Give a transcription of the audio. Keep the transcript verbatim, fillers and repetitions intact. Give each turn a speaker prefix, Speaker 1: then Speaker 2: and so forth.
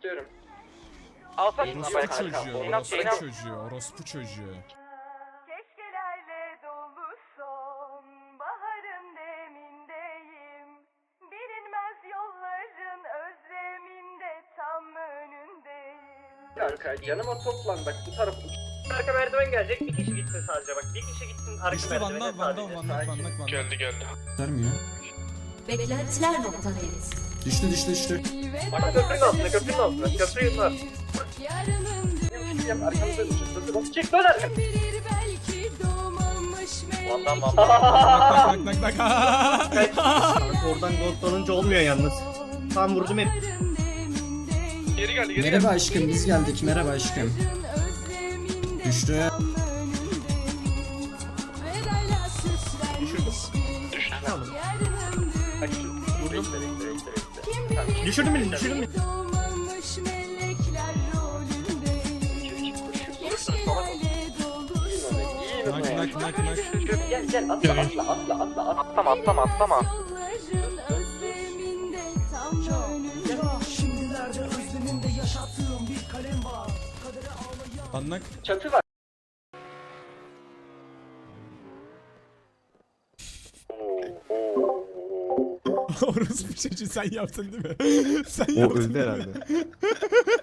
Speaker 1: Atlıyorum.
Speaker 2: Alsak
Speaker 3: Orospu çocuğu, orospu çocuğu, orospu çocuğu.
Speaker 4: Keşkelerle dolu sonbaharın demindeyim. Bilinmez yolların özleminde tam önündeyim.
Speaker 1: Kanka yanıma toplan bak bu taraf uç.
Speaker 2: Arka merdiven gelecek. Bir kişi gitsin sadece bak. Bir kişi gitsin arka
Speaker 3: Düştü
Speaker 2: merdivene
Speaker 3: vandal, vandal,
Speaker 2: sadece.
Speaker 3: vandal, vandal, vandal.
Speaker 5: Geldi geldi.
Speaker 6: Vermiyor.
Speaker 7: Beklentiler noktadayız.
Speaker 6: Düştü düştü düştü.
Speaker 2: Bak köprünün altında, köprünün altında. Köprü yutar.
Speaker 1: Arkamıza düşün. Çık lan arkamıza.
Speaker 2: Vandan vandan.
Speaker 3: Bak bak bak bak.
Speaker 8: Kanka oradan gol tanınca olmuyor yalnız. Tam vurdum hep.
Speaker 5: Geri geldi geri
Speaker 6: Merhaba
Speaker 5: geldi.
Speaker 6: aşkım biz geldik. Merhaba aşkım. Düştü.
Speaker 1: Bak şu. Vurdum. Bekle bekle bekle bekle.
Speaker 8: Düşürdün beni düşürdün beni.
Speaker 3: Nak nak nak nak.
Speaker 1: Gel gel atla atla atla atla atla.
Speaker 2: Atlama atlama atlama.
Speaker 3: Anlak.
Speaker 1: Çatı var.
Speaker 3: Orospu çocuğu sen yaptın değil mi? Sen yaptın
Speaker 9: öldü
Speaker 3: değil
Speaker 9: herhalde.
Speaker 3: mi?